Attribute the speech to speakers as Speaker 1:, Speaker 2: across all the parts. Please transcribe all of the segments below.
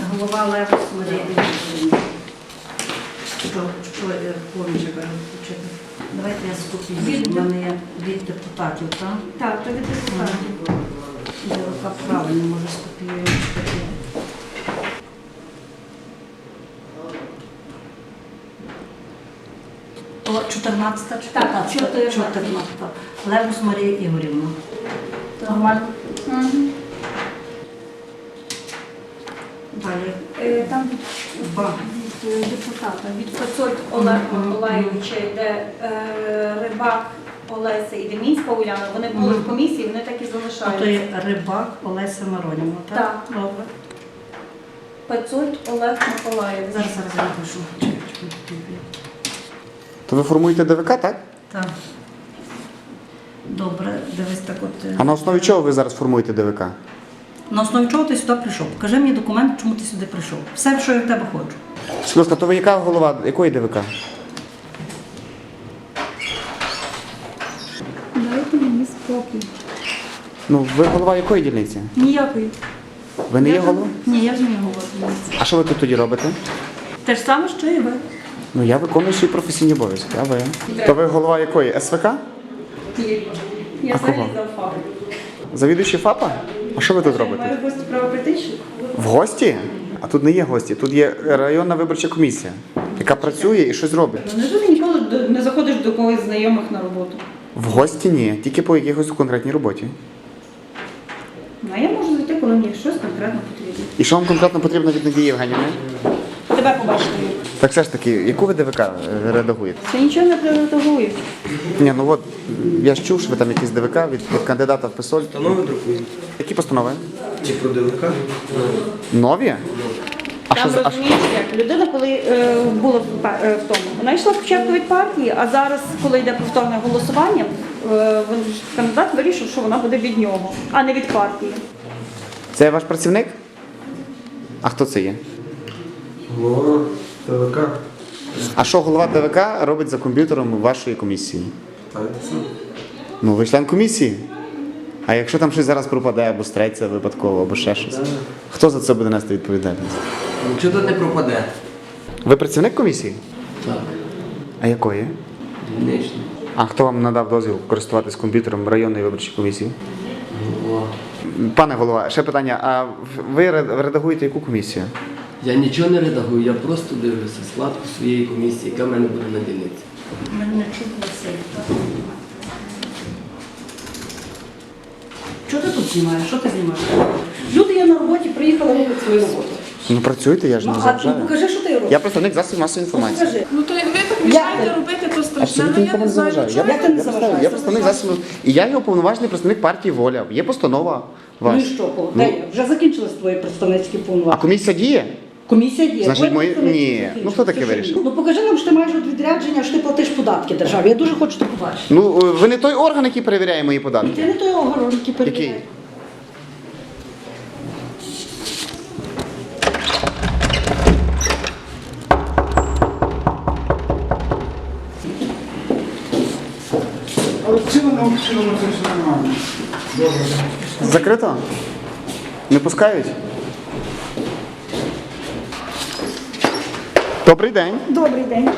Speaker 1: голова Левус Марія Ігорівна. Що поміче включити? Давайте я скопію. У мене є від депутатів, так?
Speaker 2: Так, то від депутатів.
Speaker 1: Я рука правильно, може скопіюю. О, 14-та чи
Speaker 2: Так,
Speaker 1: 15-та? 14-та. Левус Марія Ігорівна. Нормально? Далі.
Speaker 2: Там
Speaker 1: Два.
Speaker 2: від депутата, від Пацольт Олега Миколаївича йде Рибак Олеся і Демінська Уляна. Вони були в комісії, вони так і
Speaker 1: А то
Speaker 2: залишаються.
Speaker 1: є Рибак Олеся Миронівна, так?
Speaker 2: Так.
Speaker 1: Добре.
Speaker 2: Пацольт Олег Миколаївич.
Speaker 1: Зараз я напишу.
Speaker 3: То ви формуєте ДВК, так?
Speaker 1: Так. Добре, дивись так от.
Speaker 3: А на основі чого ви зараз формуєте ДВК?
Speaker 1: На основі чого ти сюди прийшов? Покажи мені документ, чому ти сюди прийшов. Все, що я в тебе хочу.
Speaker 3: Скажіть, будь ласка, то ви яка голова, якої ДВК?
Speaker 2: Дайте мені спокій.
Speaker 3: Ну, ви голова якої дільниці?
Speaker 2: Ніякої.
Speaker 3: Ви не є голова?
Speaker 2: Ні, я ж не говорю.
Speaker 3: А що ви тут тоді робите?
Speaker 2: Те ж саме, що і ви.
Speaker 3: Ну, я виконую свої професійні обов'язки, а ви? То ви голова якої? СВК?
Speaker 2: Я
Speaker 3: А кого?
Speaker 2: за ФАП.
Speaker 3: Завідуючий ФАПа? А що ви тут робите?
Speaker 2: Маю гості право прийти?
Speaker 3: В гості? А тут не є гості, тут є районна виборча комісія, яка працює і щось робить.
Speaker 2: Ну, невже ти ніколи не заходиш до когось знайомих на роботу?
Speaker 3: В гості ні, тільки по якихось конкретній роботі.
Speaker 2: Ну, а я можу зайти, коли мені щось конкретно потрібно.
Speaker 3: І що вам конкретно потрібно від Надії Євгенівни?
Speaker 2: Тебе побачити.
Speaker 3: Так все ж таки, яку ви ДВК редагуєте?
Speaker 2: Це нічого не приготовують.
Speaker 3: Ні, ну от, я ж чув, що ви там якісь ДВК від кандидата в ПСОЛь.
Speaker 4: Постанови друкують.
Speaker 3: Які постанови?
Speaker 4: Чи про ДВК?
Speaker 3: Нові? А
Speaker 2: Там
Speaker 3: що,
Speaker 2: розумієш, як людина, коли була в тому, вона йшла спочатку від партії, а зараз, коли йде повторне голосування, кандидат вирішив, що вона буде від нього, а не від партії.
Speaker 3: це ваш працівник? А хто це є?
Speaker 4: Голова ДВК.
Speaker 3: А що голова ДВК робить за комп'ютером вашої комісії?
Speaker 4: Так, це сам.
Speaker 3: Ну, ви член комісії. А якщо там щось зараз пропаде, або стреться випадково, або ще щось, хто за це буде нести відповідальність?
Speaker 4: Нічого тут не пропаде.
Speaker 3: Ви працівник комісії?
Speaker 4: Так.
Speaker 3: А якої?
Speaker 4: Дільничний.
Speaker 3: А хто вам надав дозвіл користуватись комп'ютером районної виборчої комісії?
Speaker 4: Голова.
Speaker 3: Пане голова, ще питання. А ви редагуєте яку комісію?
Speaker 4: Я нічого не редагую, я просто дивлюся складку своєї комісії, яка в мене буде на дільниці.
Speaker 1: Мене не чути Василь. Що ти тут знімаєш? Що ти знімаєш? Люди є на роботі, приїхали робити свою роботу.
Speaker 3: Ну працюйте, я ж не
Speaker 1: А
Speaker 3: заважаю.
Speaker 1: покажи, що ти робиш.
Speaker 3: Я представник засобів масової інформації.
Speaker 1: Покажи.
Speaker 5: Ну то як ви так мішаєте робити, то страшне.
Speaker 3: Абсолютно
Speaker 5: Ну я
Speaker 3: нікому
Speaker 5: не
Speaker 3: не
Speaker 5: знаю,
Speaker 3: заважаю.
Speaker 5: чого.
Speaker 1: Як ти не заважаєш?
Speaker 3: Я представник засобів. І я є уповноважений представник партії «Воля». Є постанова
Speaker 1: Ну і
Speaker 3: ваша.
Speaker 1: що, де я? Вже закінчились твої представницькі
Speaker 3: А
Speaker 1: повноваження.
Speaker 3: комісія діє?
Speaker 1: Комісія діє.
Speaker 3: Значить,
Speaker 1: Твої
Speaker 3: мої-
Speaker 1: представниці
Speaker 3: ні.
Speaker 1: закінчились.
Speaker 3: Ну, хто таке
Speaker 1: Ти що,
Speaker 3: вирішив?
Speaker 1: Ну покажи нам, що ти маєш от відрядження, що ти платиш податки державі. Я дуже хочу це побачити.
Speaker 3: Ну, ви не той орган, який перевіряє мої податки.
Speaker 1: Ти не той огород, який
Speaker 3: Який?
Speaker 1: перевіряє.
Speaker 6: Але в цілому це все нормально. Добре.
Speaker 3: Закрито? Не пускають? Добрий день.
Speaker 2: Добрий день.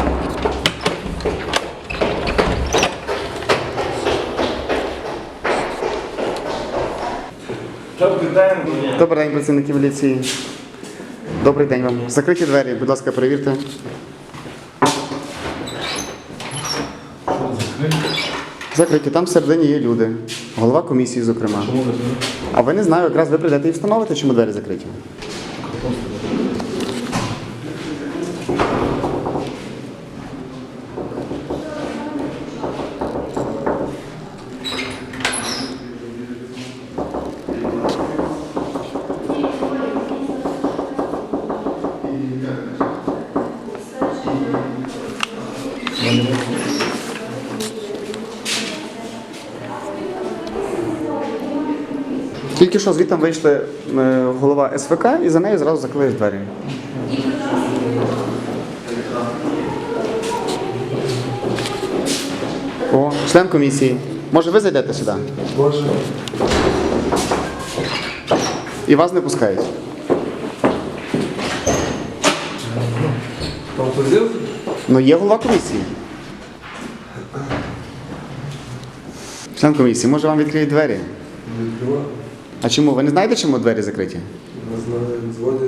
Speaker 3: Добрий день, працівники міліції. Добрий день вам. Закриті двері, будь ласка, перевірте. Закриті, там всередині є люди. Голова комісії, зокрема. А ви не знаю, якраз ви прийдете і встановите, чому двері закриті. Тільки що звідти вийшли голова СВК і за нею зразу закрили двері. О, член комісії. Може, ви зайдете сюди?
Speaker 4: Боже.
Speaker 3: І вас не пускають.
Speaker 4: Там позив?
Speaker 3: Ну, є голова комісії. Член комісії, може вам відкриють двері?
Speaker 7: Не відкриваю.
Speaker 3: А чому? Ви не знаєте, чому двері закриті?
Speaker 7: Не знаю, дзвонять.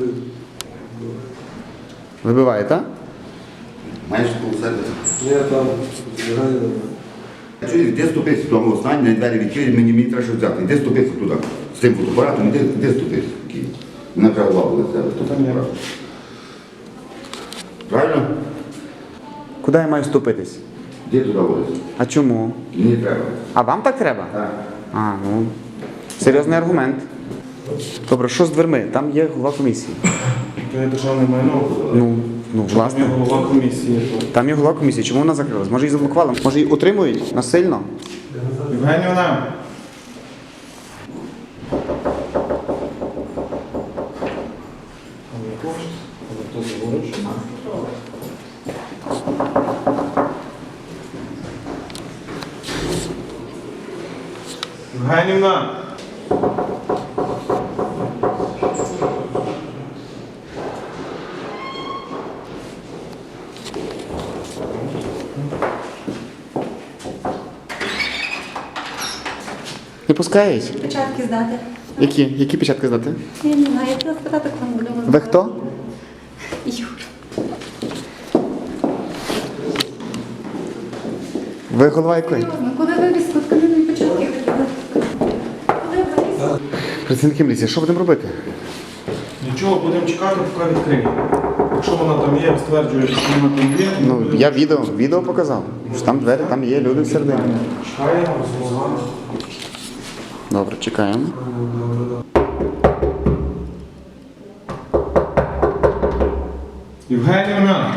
Speaker 3: Вибиває, так?
Speaker 8: Маєш у себе.
Speaker 7: Ні, там збігає до мене.
Speaker 8: Чуєш, де ступись в тому останній, двері відкриті, мені треба щось взяти. Іди ступись туди. З цим фотоапаратом, іди ступись. Вона вже голова була з тебе. з фотоапаратом. Правильно?
Speaker 3: Куди я маю ступитись?
Speaker 8: Іди туди водись.
Speaker 3: А чому?
Speaker 8: Мені треба.
Speaker 3: А вам так треба?
Speaker 8: Так.
Speaker 3: А, ну, серйозний аргумент. Добре, що з дверми? Там є голова комісії.
Speaker 9: То є державне майно.
Speaker 3: Ну,
Speaker 9: Там є
Speaker 3: власне.
Speaker 9: голова комісії.
Speaker 3: Там є голова комісії. Чому вона закрилась? Може її заблокували? Може її утримують насильно?
Speaker 9: Євгенівна! Євгенівна!
Speaker 3: Не пускають?
Speaker 2: Печатки здати.
Speaker 3: Які печатки здати?
Speaker 2: Я не знаю, я хотіла спитати, кому будемо.
Speaker 3: Ви хто?
Speaker 2: Юр.
Speaker 3: Ви голова якої?
Speaker 2: Коли вивіз, коли мені печатки хотіли.
Speaker 3: Працівники міліції, що будемо робити?
Speaker 9: Нічого, будемо чекати, поки відкриє. Якщо вона там є, стверджує, що вона там є,
Speaker 3: Ну, я відео показав. Що там двері, там є люди всередині.
Speaker 9: чекаємо, розмовляємо.
Speaker 3: Добре, чекаємо.
Speaker 9: Євгенівна!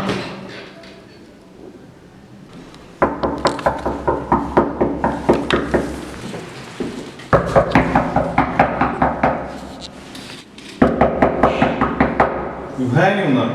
Speaker 9: Євгенівна!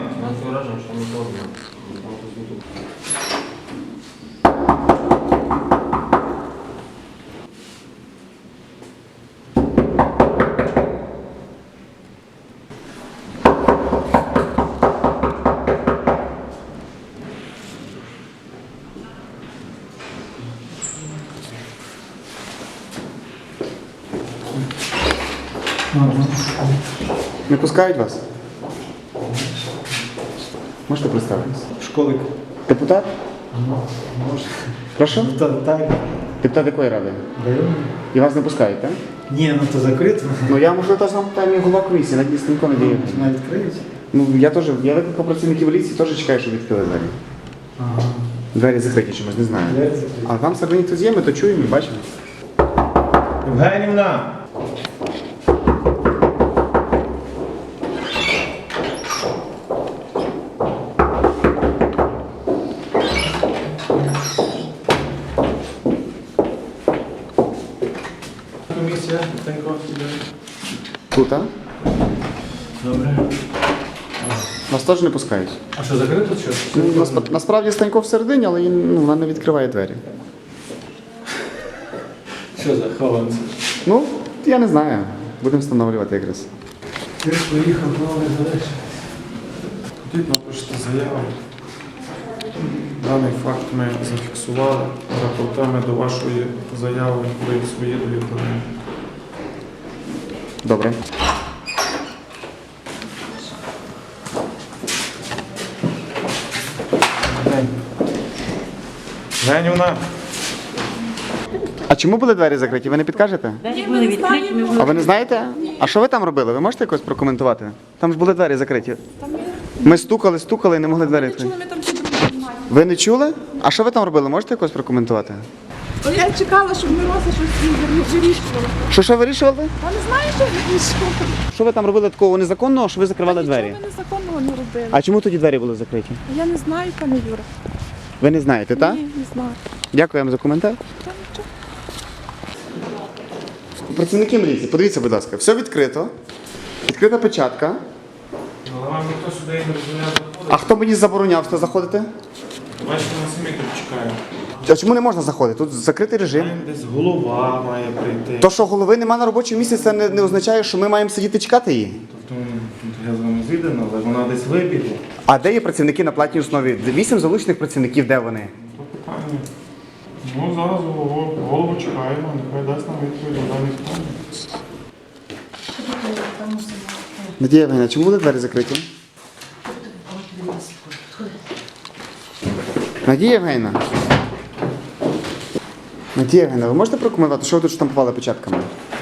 Speaker 3: Не пускають вас? Можете представитися?
Speaker 6: Школик.
Speaker 3: Депутат?
Speaker 6: Може.
Speaker 3: Прошу?
Speaker 6: Так.
Speaker 3: Депутат якої ради?
Speaker 6: Район?
Speaker 3: І вас не пускають, так?
Speaker 6: Ні, ну то закрито.
Speaker 3: Ну я можливо теж вам питаю голова комісії, надіюсь, ніхто не діє.
Speaker 6: Вона відкриють.
Speaker 3: Ну я викликав працівників поліції, теж чекаю, щоб відкрили двері.
Speaker 6: Ага.
Speaker 3: Двері закриті чомусь, не знаю.
Speaker 6: Двері закриті.
Speaker 3: А там всередині хтось є, ми то чуємо і бачимо.
Speaker 9: Євгенівна! Комісія, Тенько, іде.
Speaker 3: Тут, а?
Speaker 9: Добре.
Speaker 3: Вас теж не пускають.
Speaker 9: А що, закрито чи?
Speaker 3: Ну, насправді Станько всередині, але вона не відкриває двері.
Speaker 9: Що за хованці?
Speaker 3: Ну, я не знаю. Будемо встановлювати якраз.
Speaker 9: Ти ж поїхав, новий залиш. Тут напишете заяву. Даний факт ми зафіксували. Рапортуємо до вашої заяви, ви свої довідомлення.
Speaker 3: Добре.
Speaker 9: Женівна!
Speaker 3: А чому були двері закриті? Ви не підкажете?
Speaker 2: Були відкриті, ми
Speaker 3: А ви не знаєте? А що ви там робили? Ви можете якось прокоментувати? Там ж були двері закриті. Ми стукали і не могли двері відкрити.
Speaker 5: Ми там всі допомагаємо.
Speaker 3: Ви не чули? А що ви там робили? Можете якось прокоментувати?
Speaker 5: Я чекала, щоб Мироса щось вирішувала.
Speaker 3: Що вирішували?
Speaker 5: Та не знаю, що вирішувала.
Speaker 3: Що ви там робили такого незаконного, що ви закривали двері?
Speaker 5: Нічого ми незаконного не робили.
Speaker 3: А чому тоді двері були закриті?
Speaker 5: Я не знаю, пане Юра.
Speaker 3: Ви не знаєте, так?
Speaker 5: Ні, не знаю.
Speaker 3: Дякую вам за коментар.
Speaker 5: Та нічого.
Speaker 3: Працівники міліції, подивіться, будь ласка, все відкрито. Відкрита печатка.
Speaker 9: Але вам ніхто сюди не дозволяє заходити.
Speaker 3: А хто мені забороняв сюди заходити?
Speaker 9: Бачите, ми самі тут чекаємо.
Speaker 3: А чому не можна заходити? Тут закритий режим.
Speaker 9: Там десь голова має прийти.
Speaker 3: То, що голови нема на робочому місці, це не означає, що ми маємо сидіти чекати її.
Speaker 9: Тобто Я з вами зійдено, але вона десь вибігла.
Speaker 3: А де є працівники на платній основі? 8 залучених працівників, де вони?
Speaker 9: То питання. Ну, зараз голову чекаємо, нехай дасть нам відповідь на дані питання.
Speaker 3: Надія Євгенівна, чому були двері закриті? Надія Євгенівна. Надія Євгенівна, ви можете прокоментувати, що ви тут штампували печатками?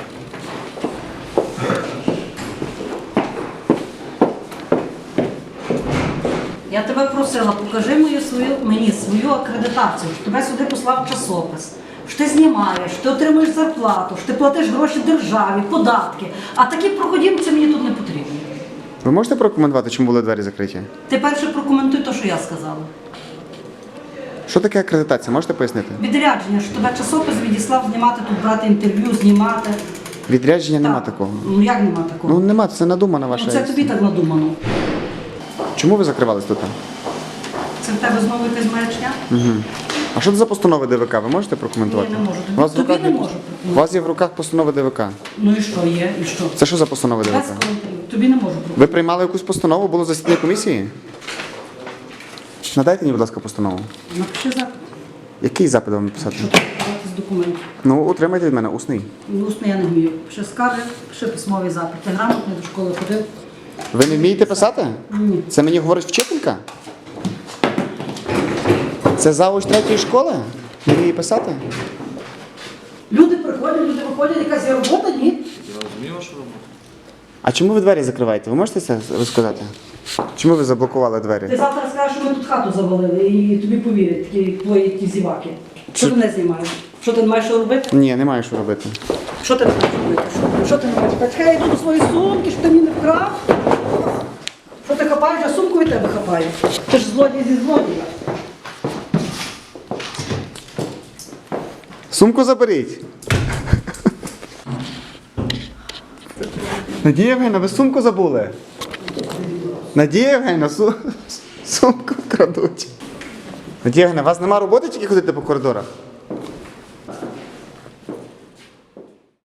Speaker 1: Я тебе просила, покажи мені свою акредитацію, що тебе сюди послав часопис, що ти знімаєш, що ти отримуєш зарплату, що ти платиш гроші державі, податки. А такі проходімці мені тут не потрібні.
Speaker 3: Ви можете прокоментувати, чому були двері закриті?
Speaker 1: Ти перше прокоментуй те, що я сказала.
Speaker 3: Що таке акредитація? Можете пояснити?
Speaker 1: Відрядження, що тебе часопис відіслав знімати тут, брати інтерв'ю, знімати.
Speaker 3: Відрядження нема
Speaker 1: Так.
Speaker 3: такого.
Speaker 1: Ну як нема такого?
Speaker 3: Ну нема, це надумана ваша.
Speaker 1: Ну, це тобі так надумано.
Speaker 3: Чому ви закривались тут?
Speaker 1: Це в тебе знову якась маячня?
Speaker 3: А що це за постанови ДВК? Ви можете прокоментувати?
Speaker 1: Ні, не можу.
Speaker 3: У вас в
Speaker 1: Тобі
Speaker 3: руках
Speaker 1: не
Speaker 3: є-
Speaker 1: можу
Speaker 3: У
Speaker 1: прокоментувати.
Speaker 3: вас є в руках постанови ДВК.
Speaker 1: Ну і що є, і що?
Speaker 3: Це що за постанови
Speaker 1: Без
Speaker 3: ДВК?
Speaker 1: коментарів. Тобі не можу прокоментувати.
Speaker 3: Ви приймали якусь постанову, було засідання комісії? Надайте мені, будь ласка, постанову.
Speaker 1: Напиши запит.
Speaker 3: Який запит вам написати?
Speaker 1: Що треба брати з документів?
Speaker 3: Ну, утримайте від мене усний.
Speaker 1: Ну, усно я не вмію. Пиши скарги, пиши письмовий запит. Ти грамотний, до школи ходив?
Speaker 3: Ви не вмієте писати?
Speaker 1: Ні.
Speaker 3: Це мені говорить вчителька? Це завуч 3-ї школи? Не вміє писати?
Speaker 1: Люди приходять, люди виходять, якась є робота, ні?
Speaker 3: А чому ви двері закриваєте? Ви можете це розказати? Чому ви заблокували
Speaker 1: Ти
Speaker 3: двері?
Speaker 1: завтра скажеш, що ми тут хату завалили і тобі повірять, такі твої ті зіваки. Що ти не знімаєш? Що ти не маєш що робити?
Speaker 3: Ні, немає що робити.
Speaker 1: Що ти не маєш робити? Що ти не маєш? Почекай, я йду до своєї сумки, що ти мені не вкрав. Що ти хапаєш, а сумку від тебе хапає. Ти ж злодій зі злодія.
Speaker 3: Сумку заберіть. Надія Євгенівна, ви сумку забули? Надія Євгенівна, сумку крадуть. Надія Євгенівна, у вас нема роботи, тільки ходити по коридорах?